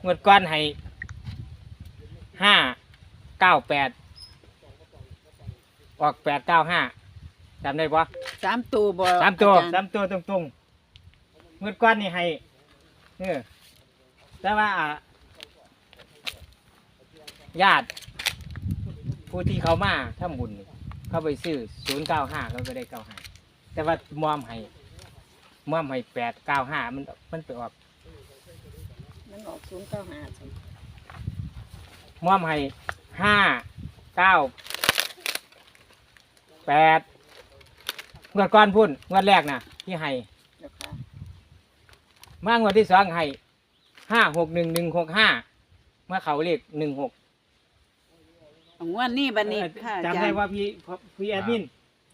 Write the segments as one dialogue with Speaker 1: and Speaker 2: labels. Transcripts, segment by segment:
Speaker 1: งวดก้อนให้598ออก895จำได้ปะ
Speaker 2: 3 ตัวบ่
Speaker 1: 3 ตัว
Speaker 2: อาจารย์
Speaker 1: 3 ตัวตรงๆงวดก้อนนี่ให้แต่ว่าญาติผู้ที่เขามาทำบุญนี่เขาไปซื้อ095เขาก็ได้95แต่ว่ามอมให้895มันไปออก
Speaker 2: มันออก095ซั่น
Speaker 1: มอมให้598งวดก่อนพุ่นงวดแรกน่ะที่ให้
Speaker 2: เจ้าค่ะ
Speaker 1: มางวดที่2ให้561165เมื่อเขาเรียก16
Speaker 2: เอางวดนี้บัดนี้ค่ะอา
Speaker 1: จำ
Speaker 2: จาร
Speaker 1: ได้
Speaker 2: ย์
Speaker 1: ว่าพี่แอดมิน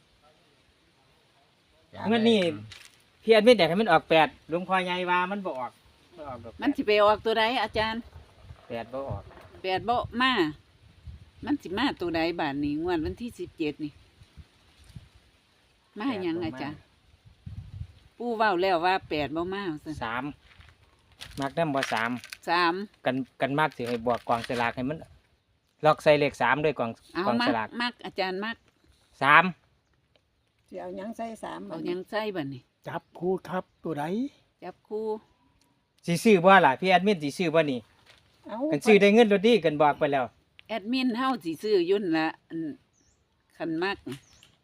Speaker 1: งวดนี้พี่แอดมินแต่ให้มันออก8หลวงพ่อใหญ่ว่ามันบ่ออกดอก
Speaker 2: มันสิไปออกตัวใดอาจารย์
Speaker 1: 8บ่ออก
Speaker 2: 8บ่มามันสิมาตัวใดบาดนี้งวดวันที่17นี่มาหยังอาจารย์ปู่เว้าแล้วว่า8บ่มาซั่น
Speaker 1: 3มักนำบ่3
Speaker 2: 3
Speaker 1: กันมากสิให้บวกกองสลากให้มันล็อกใส่เลข3ด้วยกอง
Speaker 2: เอา
Speaker 1: กอง
Speaker 2: มั
Speaker 1: ส
Speaker 2: ก
Speaker 1: ลาก
Speaker 2: มักอาจารย์มัก
Speaker 1: 3
Speaker 3: สิเอาหยังใส่3
Speaker 2: เอาหยังใส่บัดนี้
Speaker 4: จับคู่ครับตัวไหน
Speaker 2: จับคู่
Speaker 1: สิซื้อบ่ล่ะพี่แอดมินสิซื้อบ่นี่
Speaker 3: เอา
Speaker 1: กันซื้อได้เงินรถดีกันบอกไปแล้ว
Speaker 2: แอดมินเฮาสิซื้อยุ่นละอันคันมักนี่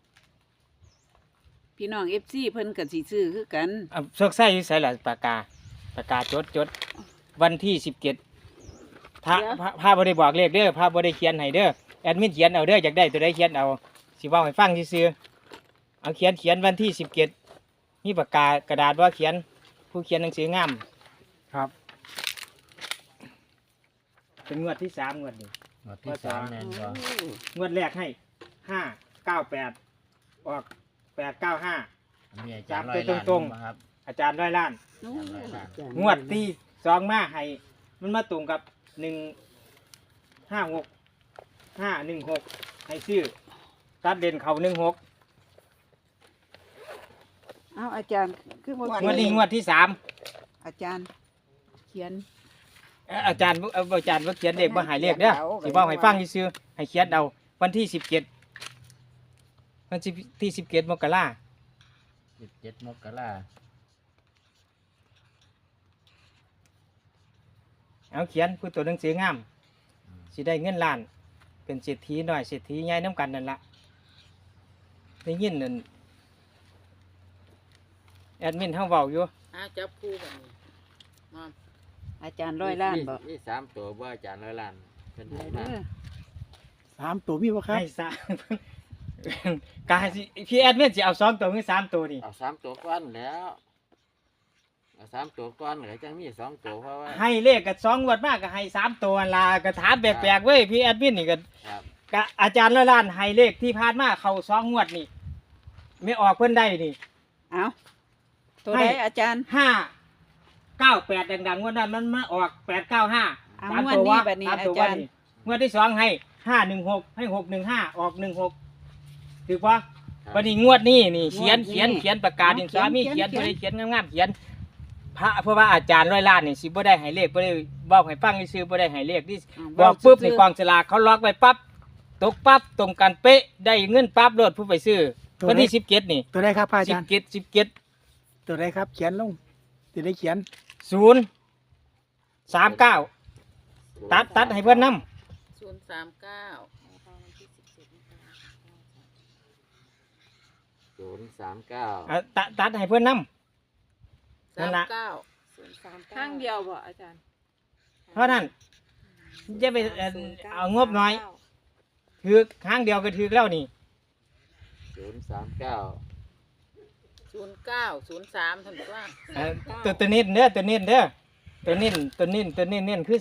Speaker 2: พี่น้อง FC เพิ่นก็สิซื้อคือกัน
Speaker 1: เอาซอกไส้อยู่ใส่ล่ะปากกาจดวันที่17พาบ่ได้บอกเลขเด้อพาบ่ได้เขียนให้เด้อแอดมินเขียนเอาเด้ออยากได้ตัวใดเขียนเอาสิเว้าให้ฟังซื่อๆเอาเขียนวันที่17มีปากกากระดาษว่าเขียนผู้เขียนหนังสืองาม
Speaker 4: ครับ
Speaker 1: เป็นงวดที่3งวดนี้
Speaker 5: งวดที่สามแน่นบ่
Speaker 1: งวดแรกให้598ออก895
Speaker 5: มีอาจารย์
Speaker 1: จับ
Speaker 5: ร้อย
Speaker 1: ไป
Speaker 5: ล้าน
Speaker 1: ตรงๆ
Speaker 5: บ่ครับ
Speaker 1: อาจารย์ร้อยล้าน
Speaker 2: โอ้
Speaker 1: งวดที่2มาให้มันมาตรงกับ156 ให้ซื้อตัดเด่นเขา16
Speaker 2: เอาอาจารย์คือบ่
Speaker 1: งวดนี้งวดที่3
Speaker 2: อาจารย์ เขียน
Speaker 1: อาจารย์บ่เขียนเลขบ่ใหายเลขเด้อสิเว้าให้ฟังซื่อๆให้เขียนเอาวันที่17วันที่17มกราคม
Speaker 5: 17 มกราคม
Speaker 1: เอาเขียนผู้ตัวหนังสืองามสิได้เงินล้านเป็นเศรษฐีหน่อยเศรษฐีใหญ่น้ำกันนั่นละได้ยินนั่นแอดมินเฮาเว้าอยู่
Speaker 2: จับคู่บัดนี้อาจารย์ร้อยล้านบ่
Speaker 5: มี3ตัวบ่อาจารย์ร้อยล้านเพิ่นให้
Speaker 2: เด้
Speaker 5: มา
Speaker 4: สามตัวมีบ่ครับ
Speaker 1: ให้ซะ กายสิพี่แอดมินสิเอา2ตัวหรือ3ตัวนี่
Speaker 5: เอา3ตัวก่อนแล้วเอา3ตัวก่อนแล้วจังมี2ตัวเพราะว่า
Speaker 1: ให้เลขก็2งวดมากก็ให้3ตัวนั่นล่ะก็ถามแปลกๆเว้ยพี่แอดมินนี่ก็
Speaker 5: ครับ
Speaker 1: ก็อาจารย์ร้อยล้านให้เลขที่ผ่านมาเข้า2งวดนี่ไม่ออกเพิ่นได้นี่
Speaker 2: เอาตัวใดอาจารย์
Speaker 1: 598ดังๆงวดนั้นมันมาออก895
Speaker 2: เอา
Speaker 1: สาม
Speaker 2: งวด
Speaker 1: ตัว
Speaker 2: นี้
Speaker 1: วะ
Speaker 2: บัดนี้
Speaker 1: สามตัว
Speaker 2: อาจารย์
Speaker 1: วะนี่งวดที่2ให้516ให้615ออก16ถูกปะ
Speaker 5: ครับ
Speaker 1: วันนี้งวดนี้นี่เขียนประกาศดินสามีเขียนบ่ได้เขียนงามๆเขียนพระเพราะว่าอาจารย์ร้อยล้านนี่สิบ่ได้ให้เลขบ่ได้บอกให้ฟังซื่อๆบ่ได้ให้เลขนี่บอกปุ๊บนี่กองสลากเขาล็อกไว้ปั๊บตกปั๊บตรงกันเป๊ะได้เงินปั๊บโลดผู้ไปซื้อวันที่17นี่
Speaker 4: ตัวไหนครับพระอาจารย์
Speaker 1: 17
Speaker 4: ตัวไหนครับ เขียนลงจะได้เขียน
Speaker 1: 039ตัดให้เพิ่นนำ
Speaker 2: 039
Speaker 5: 039
Speaker 1: ตัดให้เพื่อนนำนั่นละ
Speaker 2: ข้างเดียวบ่อาจารย์
Speaker 1: เพราะนั้นจะไปเอางบน้อยถือครั้งเดียวก็ถือแล้วนี่
Speaker 5: 039
Speaker 2: 09 03ท่านว่า
Speaker 1: ตัวนี้เด้อตัวนี้คือ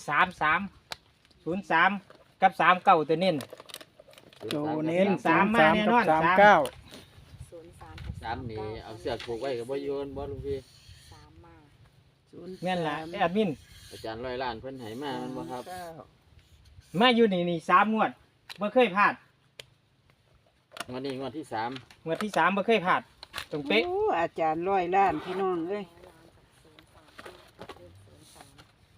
Speaker 1: 33 กับ39ตัวนี้
Speaker 4: ตัวเน้น
Speaker 1: สามมาแน่นอน
Speaker 4: 39
Speaker 5: 3นี่เอาเสื้อผูกไว้ก็บ่โยนบ่ลุงพี่
Speaker 1: แม่นล่ะแอดมิน
Speaker 5: อาจารย์ร้อยล้านเพิ่นให้มามันบ่ครับ
Speaker 1: มาอยู่นี่3งวดบ่เคยพลาด
Speaker 5: งวดนี้งวดที่3
Speaker 1: งวดที่3บ่เคยพลาดตรงเป๊ะ
Speaker 2: โอ้อาจารย์ร้อยล้านพี่น้องเอ้ย
Speaker 5: มี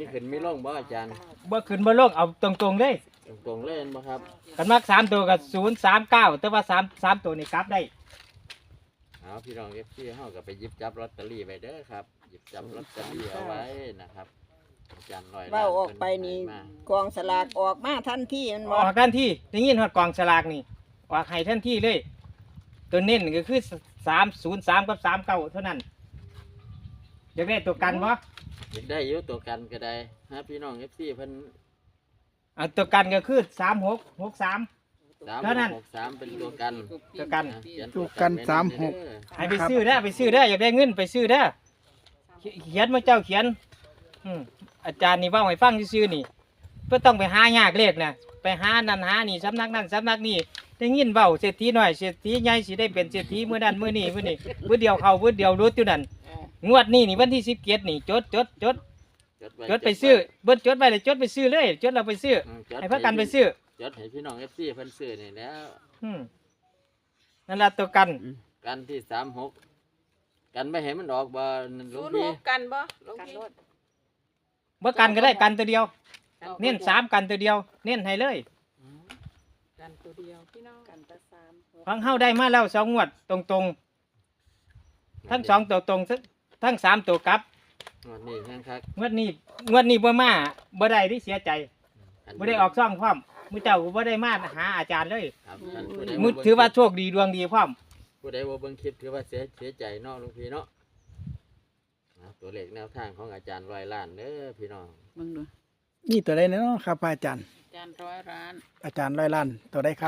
Speaker 5: มีขึ้นมีลงบ่อาจารย์
Speaker 1: บ่ขึ้นบ่ลงเอาตรงๆเลย
Speaker 5: ตรงๆเล่นบ่ครับ
Speaker 1: กันมัก3ตัวกับ039แต่ว่า3ตัวนี่กลับได้
Speaker 5: เอาพี่น้อง FC เฮาก็ไปหยิบจับลอตเตอรี่ไว้เด้อครับหยิบจับลอตเตอรี่เอาไว้นะครับอาจารย์ร้อยล้น
Speaker 3: เว้าออกไปนี่
Speaker 5: เพิ่ให้มาก
Speaker 3: องสลากออกมาทันทีมัน
Speaker 1: อ
Speaker 3: บ่
Speaker 1: อกทันทีได้ยินฮอดกองสลากนี่ออกให้ทันทีเลย ตัวเน้นก็คือ303กับ39เท่านั้นอยากได้ตัวกันบ่
Speaker 5: อยากได้อยู่ตัวกันก็ได้ฮะพี่น้อง FC เพิ่น
Speaker 1: เอาตัวกันก็คือ3663 เท่านั้น
Speaker 5: 3663เป็นตัวกัน
Speaker 1: ตัวกัน
Speaker 5: ะเขีย
Speaker 4: ตัวกัน
Speaker 5: ไว้
Speaker 4: สามหก
Speaker 5: เด้อ
Speaker 1: ให้ไปซื้อเด้อไปซื้อเด้ออยากได้เงินไปซื้อเด้อเขียนมาเจ้าเขียนอาจารย์นี่เว่าให้ฟังซื่อๆนี่เพื่อต้องไปหายากเลขนะไปหานั่นหานี่สำนักนั่นสำนักนี่ได้ยินเว้าเศรษฐีหน่อยเศรษฐีใหญ่สิได้เป็นเศรษฐีมื้อนั้นมื้อนี้มื้อนี้มื้อเดียวเข้ามื้อเดียวรุดอยู่นั่นงวดนี้นี่วันที่17นี่จด
Speaker 5: ว้
Speaker 1: จดไปซื้อเบิดจดไว้เลยจดไปซื้อเลยจดเราไปซื้อ
Speaker 5: จด
Speaker 1: ให้พากันไปซื้อ
Speaker 5: จดให้พี่น้อง FC เพิ่นซื้อนี่แล้ว
Speaker 1: นั่นล่ะตัวกัน
Speaker 5: กันที่36กันไม่ให้มันออกบ่นั่นหลวง
Speaker 2: ศูนย์
Speaker 5: พี่
Speaker 2: หกกันบ่หลวงพี่
Speaker 1: เมื่อกันก็ได้กันตัวเดียว เน้น3กันตัวเดียว เน้นให้เลย
Speaker 2: กันตัวเดียวพี่น้อง
Speaker 3: กันตะสาม
Speaker 1: ฟังเฮาได้มาแล้ว2งวดตรงๆ ทั้ง2ตัวตรงทั้ง3ตัวกลับ
Speaker 5: วันนี้แห้งคัก
Speaker 1: งวดนี้บ่มาบ่ได้ที่เสียใจบ่ได้ออกซ่องพร้อมมื้อเจ้าก็บ่ได้มาหาอาจารย์เลย
Speaker 5: ครับท่านผู้ใด
Speaker 1: มื้อถือว่าโชคดีดวงดีพร้อม
Speaker 5: ผู้ใดบ่เบิ่งคลิปถือว่าเสียใจเนาะหลวงพี่เนาะตัวเลขแนวทางของอาจารย์ร้อยล้านเด้อพี่น้อง
Speaker 2: มึงดู
Speaker 4: นี่ตัวใดเนาะครับพระอาจารย์
Speaker 2: จานร้อยร้าน
Speaker 4: อาจารย์ร้อยล้านตัวใดครับ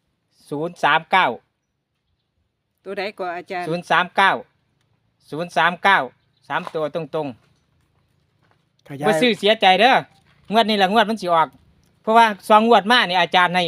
Speaker 1: 039
Speaker 2: ตัวใดก็อาจารย์
Speaker 1: 039 3ตัวตรง
Speaker 4: ข
Speaker 1: ๆ
Speaker 4: ยา
Speaker 1: บ่
Speaker 4: ย
Speaker 1: ซื้อเสียใจเด้องวดนี้ล่ะงวดมันสิออก เพราะว่า2งวดมานี่อาจารย์ให้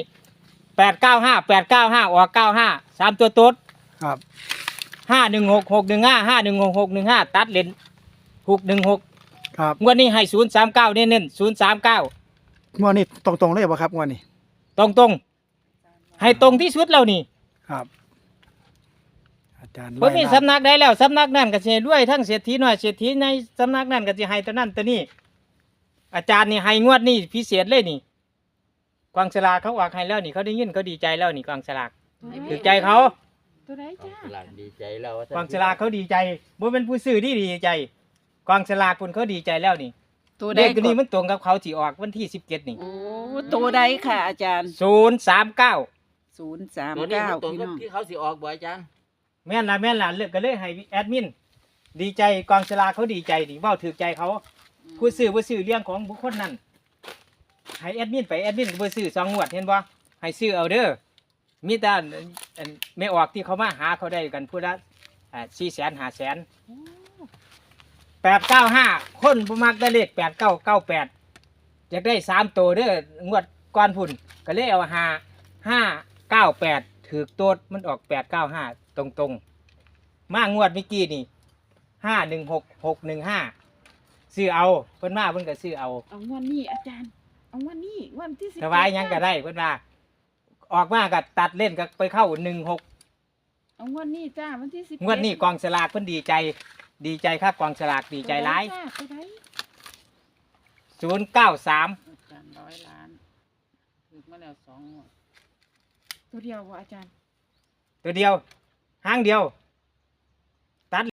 Speaker 1: 895 ออก95 3ตัวตด
Speaker 4: ครับ
Speaker 1: 516 615 516 615ตัดเลน616
Speaker 4: ครับ
Speaker 1: งวดนี้ให้039เน้นๆ039
Speaker 4: งวดนี้ตรงๆเลยบ่ครับงวดนี้
Speaker 1: ตรงๆ ให้ตรงที่สุดแล้วนี่
Speaker 4: ครับ อาจารย์
Speaker 1: บ่มี
Speaker 4: ล้าน
Speaker 1: สำนักใดแล้วสำนักนั่นก็สิให้รวยทั้งเศรษฐีน้อยเศรษฐีในสำนักนั่นก็สิให้ตัวนั้นตัวนี้ อาจารย์นี่ให้งวดนี้พิเศษเลยนี่กองสลากเขาออกให้แล้วนี่เขาได้ยินเขาดีใจแล้วนี่กองสลากถูกใจเขา
Speaker 2: ตัวใด
Speaker 5: กอง
Speaker 2: จ้า
Speaker 5: สลากดีใจแล้วว่าท่น
Speaker 1: กองสลากเขาดีใจบ่เป็นผู้ซื้อที่ดีใจกองสลากคุณเขาดีใจแล้วนี่
Speaker 2: ตัวใด
Speaker 1: เลขตัว
Speaker 2: ก็
Speaker 1: นี้มันตรงกับเขาที่ออกวันที่17นี่
Speaker 2: โอ้ตัวใดค่ะอาจารย์
Speaker 1: 039
Speaker 5: ตัวนี้มันตรง
Speaker 2: 039พี่
Speaker 5: กับ
Speaker 2: น้อง
Speaker 5: ที่เขาสิออกบ่อาจารย์
Speaker 1: แม่นล่ะเลือกก็เลยให้แอดมินดีใจกองสลากเขาดีใจดิเว้าถูกใจเขาผู้ซื้อบ่ซื้อเรื่องของบุคคลนั้นให้แอดมินไปแอดมินก็บ่ซื้อ2งวดเห็นบ่ให้ซื้อเอาเด้อมีแต่อันไม่ออกที่เขามาหาเขาได้กันผู้ละ400,000 500,000 895คนบ่มักได้เลข8998อยากได้3ตัวเด้องวดก่อนพุ่นก็เลยเอา598ถูกโตดมันออก895ตรงๆ มางวดเมื่อกี้นี่516615ซื้อเอาเพิ่นมาเพิ่นก็ซื้อเอา
Speaker 2: เอางวดนี้อาจารย์เอางวดนี้งวดที่10
Speaker 1: ถวายหยังก็ได้เพิ่นว่าออกมาก็ตัดเล่นก็ไปเข้า16
Speaker 2: เอางวดนี้จ้าวันที่10
Speaker 1: งวดนี้กองสลากเพิ่นดีใจครับกองสลากดีใจหลาย
Speaker 2: ตัวใด
Speaker 1: 093
Speaker 2: อาจารย์ร้อยล้านถูกมาแล้ว2งวดตัวเดียวบ่อาจารย์
Speaker 1: ตัวเดียวหางเดียว